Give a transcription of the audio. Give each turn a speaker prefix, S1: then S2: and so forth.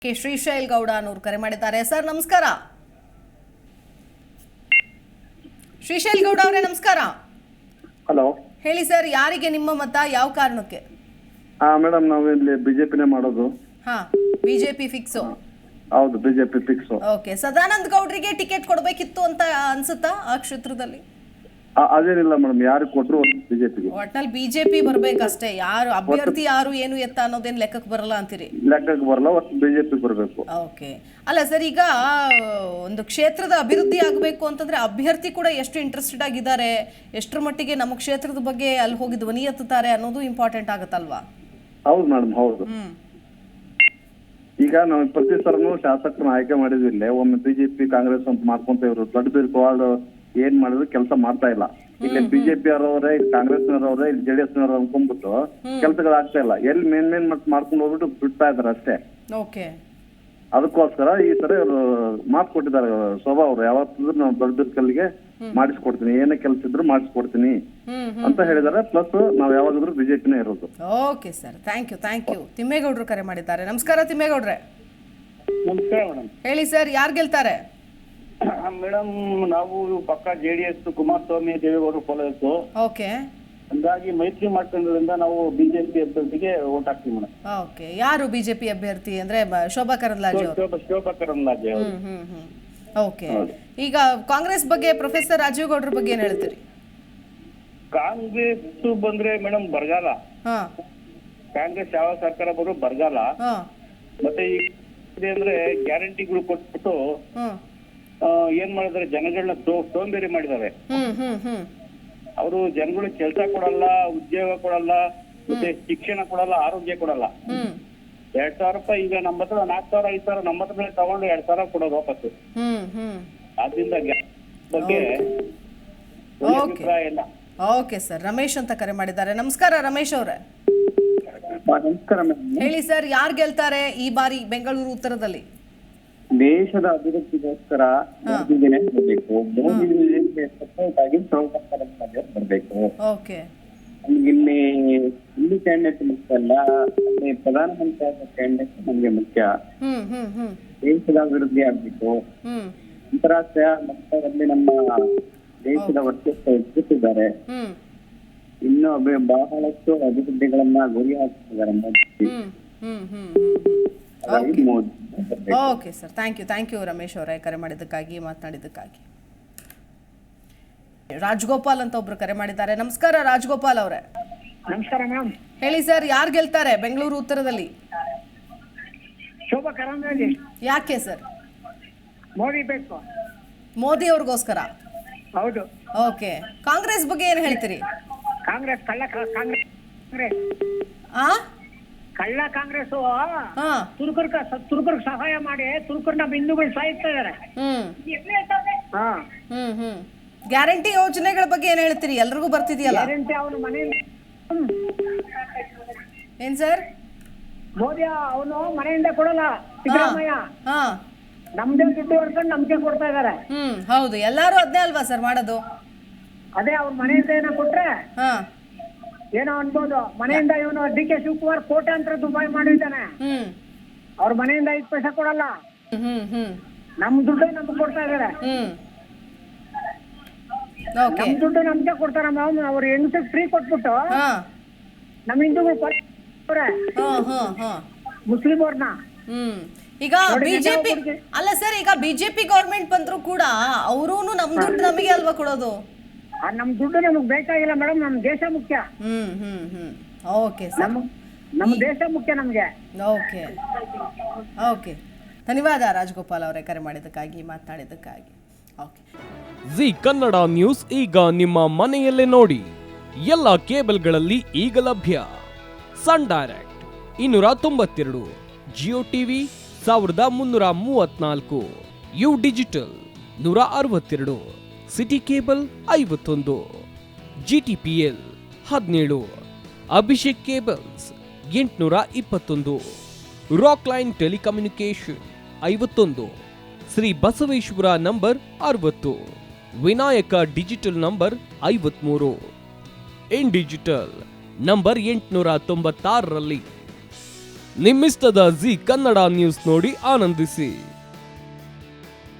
S1: ಶ್ರೀಶೈಲ್ ಗೌಡ ಅನ್ನೋರು ಕರೆ ಮಾಡಿದ್ದಾರೆ. ಸರ್ ನಮಸ್ಕಾರ. ಶ್ರೀಶೈಲ್ ಗೌಡ ಅವರೇ ನಮಸ್ಕಾರ.
S2: ಹಲೋ
S1: ಹೇಳಿ ಸರ್, ಯಾರಿಗೆ ನಿಮ್ಮ ಮತ, ಯಾವ ಕಾರಣಕ್ಕೆ?
S2: ಮೇಡಮ್ ನಾವು ಇಲ್ಲಿ ಬಿಜೆಪಿನೇ ಮಾಡೋದು.
S1: BJP fix?
S2: ಹೌದು, ಬಿಜೆಪಿ ಫಿಕ್ಸ್.
S1: ಓಕೆ, ಸದಾನಂದ ಗೌಡ್ರಿಗೆ ಟಿಕೆಟ್ ಕೊಡಬೇಕಿತ್ತು ಅಂತ ಅನ್ಸುತ್ತಾ ಆ ಕ್ಷೇತ್ರದಲ್ಲಿ?
S2: ಅದೇನಿಲ್ಲ ಮೇಡಮ್, ಯಾರು ಕೊಟ್ಟರು ಬಿಜೆಪಿಗೆ.
S1: ಒಟ್ನಲ್ಲಿ ಬಿಜೆಪಿ ಬರ್ಬೇಕಷ್ಟೇ, ಯಾರು ಅಭ್ಯರ್ಥಿ ಯಾರು ಏನು ಎತ್ತ ಅನ್ನೋದೇನು ಲೆಕ್ಕಕ್ಕೆ ಬರಲ್ಲ ಅಂತೀರಿ?
S2: ಲೆಕ್ಕಕ್ಕೆ ಬರಲ್ಲ, ಒಟ್ಟು ಬಿಜೆಪಿ ಬರಬೇಕು.
S1: ಓಕೆ, ಅಲ್ಲ ಸರ್, ಈಗ ಒಂದು ಕ್ಷೇತ್ರದ ಅಭಿವೃದ್ಧಿ ಆಗಬೇಕು ಅಂತಂದ್ರೆ ಅಭ್ಯರ್ಥಿ ಕೂಡ ಎಷ್ಟು ಇಂಟ್ರೆಸ್ಟೆಡ್ ಆಗಿದ್ದಾರೆ, ಎಷ್ಟರ ಮಟ್ಟಿಗೆ ನಮ್ಮ ಕ್ಷೇತ್ರದ ಬಗ್ಗೆ ಅಲ್ಲಿ ಹೋಗಿ ಧ್ವನಿ ಎತ್ತುತ್ತಾರೆ ಅನ್ನೋದು ಇಂಪಾರ್ಟೆಂಟ್ ಆಗುತ್ತಲ್ವಾ?
S2: ಹೌದು ಮೇಡಮ್, ಹೌದು. ಈಗ ನಾವು ಪ್ರತಿ ಸರನು ಶಾಸಕರನ್ನ ಆಯ್ಕೆ ಮಾಡಿದ್ವಿಲ್ಲ, ಒಮ್ಮೆ ಬಿಜೆಪಿ ಕಾಂಗ್ರೆಸ್ ಅಂತ ಮಾಡ್ಕೊಂತ ಇವರು ದೊಡ್ಡ ಬಿರ್ಕೋವಾಡ್ ಏನ್ ಮಾಡಿದ್ರು ಕೆಲಸ ಮಾಡ್ತಾ ಇಲ್ಲ. ಇಲ್ಲಿ ಬಿಜೆಪಿ ಅವರವರೇ, ಇಲ್ಲಿ ಕಾಂಗ್ರೆಸ್ನವರವರೇ, ಇಲ್ಲಿ ಜೆಡಿಎಸ್ ನವರು ಅನ್ಕೊಂಡ್ಬಿಟ್ಟು ಕೆಲಸಗಳಾಗ್ತಾ ಇಲ್ಲ. ಎಲ್ಲಿ ಮೇನ್ ಮಾಡ್ಕೊಂಡು ಹೋಗ್ಬಿಟ್ಟು ಬಿಡ್ತಾ ಇದಾರೆ ಅಷ್ಟೇ.
S1: ಓಕೆ,
S2: ಅದಕ್ಕೋಸ್ಕರ ಈ ತರ ಇವರು ಮಾತು ಕೊಟ್ಟಿದ್ದಾರೆ. ಶೋಭಾ ಅವರು ಯಾವತ್ತಿದ್ರು ನಾವು ದೊಡ್ಡ ಬಿರ್ಕಲ್ಗೆ ಮಾಡಿಸ್ಕೊಡ್ತೀನಿ, ಏನೇ ಕೆಲಸ ಇದ್ರು ಮಾಡಿಸ್ಕೊಡ್ತೀನಿ ಅಂತ ಹೇಳಿದಾರೆ. ಪ್ಲಸ್ ನಾವ್ ಯಾವಾಗಾದ್ರೂ ಬಿಜೆಪಿನೇ ಇರೋದು.
S1: Okay sir, thank you. ತಿಮ್ಮೇಗೌಡರು ಕರೆ ಮಾಡಿದ್ದಾರೆ. ನಮಸ್ಕಾರ ತಿಮ್ಮೇಗೌಡ್ರೆ.
S3: ನಮಸ್ಕಾರ ಮೇಡಮ್.
S1: ಹೇಳಿ ಸರ್, ಯಾರು ಗೆಲ್ತಾರೆ?
S3: ಮೇಡಮ್, ನಾವು ಪಕ್ಕ ಜೆಡಿಎಸ್ ಕುಮಾರಸ್ವಾಮಿ ದೇವೇಗೌಡರು ಫಾಲೋಯರ್ಸ್.
S1: ಓಕೆ,
S3: ಹಂಗಾಗಿ ಮೈತ್ರಿ ಮಾಡ್ಕೊಂಡ್ರಿಂದ ನಾವು ಬಿಜೆಪಿ ಅಭ್ಯರ್ಥಿಗೆ ವೋಟ್ ಹಾಕ್ತೀವಿ ಮೇಡಮ್.
S1: ಓಕೆ, ಯಾರು ಬಿಜೆಪಿ ಅಭ್ಯರ್ಥಿ ಅಂದ್ರೆ ಶೋಭಾ ಕರಂದ್ಲಾಜೆ ಅವರು?
S3: ಶೋಭಾ ಕರಂದ್ಲಾಜೆ ಅವರು.
S1: ಓಕೆ, ಈಗ ಕಾಂಗ್ರೆಸ್ ಬಗ್ಗೆ ಪ್ರೊಫೆಸರ್ ರಾಜೀವ್ ಗೌಡ್ರ ಬಗ್ಗೆ ಏನ್ ಹೇಳ್ತೀರಿ?
S3: ಕಾಂಗ್ರೆಸ್ ಬಂದ್ರೆ ಮೇಡಮ್ ಬರಗಾಲ. ಕಾಂಗ್ರೆಸ್ ಯಾವ ಸರ್ಕಾರ ಬರೋ ಬರಗಾಲ. ಮತ್ತೆ ಈಗ ಅಂದ್ರೆ ಗ್ಯಾರಂಟಿಗಳು ಕೊಟ್ಬಿಟ್ಟು ಏನ್ ಮಾಡಿದಾರೆ, ಜನಗಳನ್ನ ಸೋಂಬೇರಿ ಮಾಡಿದ್ದಾರೆ. ಅವರು ಜನಗಳಿಗೆ ಕೆಲಸ ಕೊಡಲ್ಲ, ಉದ್ಯೋಗ ಕೊಡಲ್ಲ, ಮತ್ತೆ ಶಿಕ್ಷಣ ಕೊಡಲ್ಲ, ಆರೋಗ್ಯ ಕೊಡಲ್ಲ. 2,000 ರೂಪಾಯಿ ಈಗ ನಮ್ಮ ಹತ್ರ 4,000 5,000 ನಮ್ಮ ಹತ್ರ ತಗೊಂಡು 2,000 ಕೊಡೋದು ವಾಪಸ್ಸು. ಆದ್ರಿಂದ ಬಗ್ಗೆ ಅಭಿಪ್ರಾಯ ಇಲ್ಲ.
S1: ಓಕೆ ಸರ್, ರಮೇಶ್ ಅಂತ ಕರೆ ಮಾಡಿದ್ದಾರೆ. ನಮಸ್ಕಾರ ರಮೇಶ್ ಅವರೇ.
S2: ನಮಸ್ಕಾರ ಮೇಡಮ್.
S1: ಹೇಳಿ ಸರ್, ಯಾರು ಗೆಲ್ತಾರೆ ಈ ಬಾರಿ ಬೆಂಗಳೂರು ಉತ್ತರದಲ್ಲಿ?
S2: ದೇಶದ ಅಭಿವೃದ್ಧಿಗೋಸ್ಕರ ಮೋದಿನೇ ಬರಬೇಕು. ಮೋದಿಗೆ ಸಪೋರ್ಟ್ ಆಗಿ ಶೋಭಾ ಕರಂದ್ಲಾಜೆ ಬರಬೇಕು.
S1: ಓಕೆ,
S2: ನಮ್ಗಿಲ್ಲಿ ಇಲ್ಲಿ ಕ್ಯಾಂಡಿಡೇಟ್ ಮುಖ್ಯ ಅಲ್ಲ, ಅಲ್ಲಿ ಪ್ರಧಾನಮಂತ್ರಿ ಆದ ಕ್ಯಾಂಡಿಡೇಟ್ ನಮ್ಗೆ ಮುಖ್ಯ. ದೇಶದ ಅಭಿವೃದ್ಧಿ ಆಗ್ಬೇಕು. ಅಂತಾರಾಷ್ಟ್ರೀಯ ಮಟ್ಟದಲ್ಲಿ ನಮ್ಮ ದೇಶದ ವರ್ಚಸ್ಸು ಹೆಚ್ಚಿಸಿದ್ದಾರೆ. ಇನ್ನು ಬಹಳಷ್ಟು ಅಭಿವೃದ್ಧಿಗಳನ್ನ ಗುರಿ ಹಾಕಿದ್ದಾರೆ Modi.
S1: Okay sir, thank you Ramesh ಅವರೇ, ಕರೆ ಮಾಡಿದ್ದಕ್ಕಾಗಿ, ಮಾತನಾಡಿದ್ದಕ್ಕಾಗಿ. ರಾಜಗೋಪಾಲ್ ಅಂತ ಒಬ್ರು ಕರೆ ಮಾಡಿದ್ದಾರೆ. ನಮಸ್ಕಾರ ರಾಜಗೋಪಾಲ್ ಅವರೇ.
S4: ನಮಸ್ಕಾರ ಮ್ಯಾಮ್.
S1: ಹೇಳಿ ಸರ್, ಯಾರು ಗೆಲ್ತಾರೆ ಬೆಂಗಳೂರು ಉತ್ತರದಲ್ಲಿ?
S4: ಶೋಭಾ ಕರಂದ್ಲಾಜೆ.
S1: ಯಾಕೆ ಸರ್?
S4: ಮೋದಿ ಬೇಕು.
S1: ಮೋದಿ ಅವ್ರಿಗೋಸ್ಕರ?
S4: ಹೌದು.
S1: ಓಕೆ, ಕಾಂಗ್ರೆಸ್ ಬಗ್ಗೆ ಏನ್ ಹೇಳ್ತೀರಿ?
S4: ಕಾಂಗ್ರೆಸ್ ಕಳ್ಳ ಕಾಂಗ್ರೆಸ್ ತುರ್ಕರ್ಗೆ ಸಹಾಯ ಮಾಡಿ ತುರ್ಕರ್ ನಮ್ಮ ಹಿಂದೂಗಳು ಸಾಯಿಸ್ತಾ ಇದಾರೆ.
S1: ಗ್ಯಾರಂಟಿ ಯೋಜನೆಗಳ ಬಗ್ಗೆ ಏನ್ ಹೇಳ್ತೀರಿ? ಎಲ್ರಿಗೂ ಬರ್ತಿದೆಯಲ್ಲ
S4: ಗ್ಯಾರಂಟಿ? ಅವನು ಮನೆಯಿಂದ
S1: ಏನ್ ಸರ್?
S4: ಮೋದಿ ಅವನು ಮನೆಯಿಂದ ಕೊಡಲ್ಲ. ಸಿದ್ದರಾಮಯ್ಯ ನಮ್ದೇ ದುಡ್ಡು ಹೊಡ್ಕೊಂಡು ನಮ್ಗೆ ಕೊಡ್ತಾ ಇದಾರೆ.
S1: ಹೌದು, ಎಲ್ಲಾರು ಅದ್ನೇ ಅಲ್ವಾ ಸರ್ ಮಾಡೋದು?
S4: ಅದೇ ಅವ್ರ ಮನೆಯಿಂದ ಏನೋ ಕೊಟ್ರೆ ಏನೋ ಅನ್ಬೋದು. ಮನೆಯಿಂದ ಇವನು ಡಿ.ಕೆ. ಶಿವಕುಮಾರ್ ಕೋಟ್ಯಾಂತರ ದುಬಾಯಿ ಮಾಡಿದ್ದಾನೆ. ಅವ್ರ ಮನೆಯಿಂದ 5 ಪೈಸೆ ಕೊಡಲ್ಲ. ನಮ್ ದುಡ್ಡು ನಮ್ಗೆ ಕೊಡ್ತಾ ಇದಾರೆ. ನಮ್ ದುಡ್ಡು ನಮ್ಗೆ ಕೊಡ್ತಾರ. ಅವ್ರ ಹೆಂಗಸಿಗೆ ಫ್ರೀ ಕೊಟ್ಬಿಟ್ಟು ನಮ್ ಹಿಂದೂಗಳು ಮುಸ್ಲಿಂ ಅವ್ರನ್ನ.
S1: ಈಗ ಬಿಜೆಪಿ ಅಲ್ಲ ಸರ್, ಈಗ ಬಿಜೆಪಿ ಗೌರ್ಮೆಂಟ್ ಬಂದ್ರು ಕೂಡ ಅವರೂನು ನಮ್ ದುಡ್ಡು ನಮಗೆ ಅಲ್ವಾ ಕೊಡೋದು?
S4: ನಮ್ ದುಡ್ಡು ನಮಗ್ ಬೇಕಾಗಿಲ್ಲ ಮೇಡಮ್, ನಮ್ ದೇಶ ಮುಖ್ಯ.
S1: ಓಕೆ ಸರ್,
S4: ನಮ್ ದೇಶ ಮುಖ್ಯ ನಮ್ಗೆ.
S1: ಓಕೆ, ಧನ್ಯವಾದ ರಾಜಗೋಪಾಲ್ ಅವರೇ, ಕರೆ ಮಾಡಿದ್ದಕ್ಕಾಗಿ, ಮಾತನಾಡಿದ್ದಕ್ಕಾಗಿ. ಓಕೆ,
S5: ಜಿ ಕನ್ನಡ ನ್ಯೂಸ್ ಈಗ ನಿಮ್ಮ ಮನೆಯಲ್ಲೇ ನೋಡಿ. ಎಲ್ಲ ಕೇಬಲ್ಗಳಲ್ಲಿ ಈಗ ಲಭ್ಯ. Sun Direct 292, Jio TV 1334, U digital 162, city cable 51, GTPL 17, Abhishek cables 821, Rockline telecommunication 51, Shri Basaveshwara number 60, Vinayaka digital number 53, in digital number 896ರಲ್ಲಿ ನಿಮ್ಮಿಷ್ಟದ ಜಿ ಕನ್ನಡ ನ್ಯೂಸ್ ನೋಡಿ ಆನಂದಿಸಿ.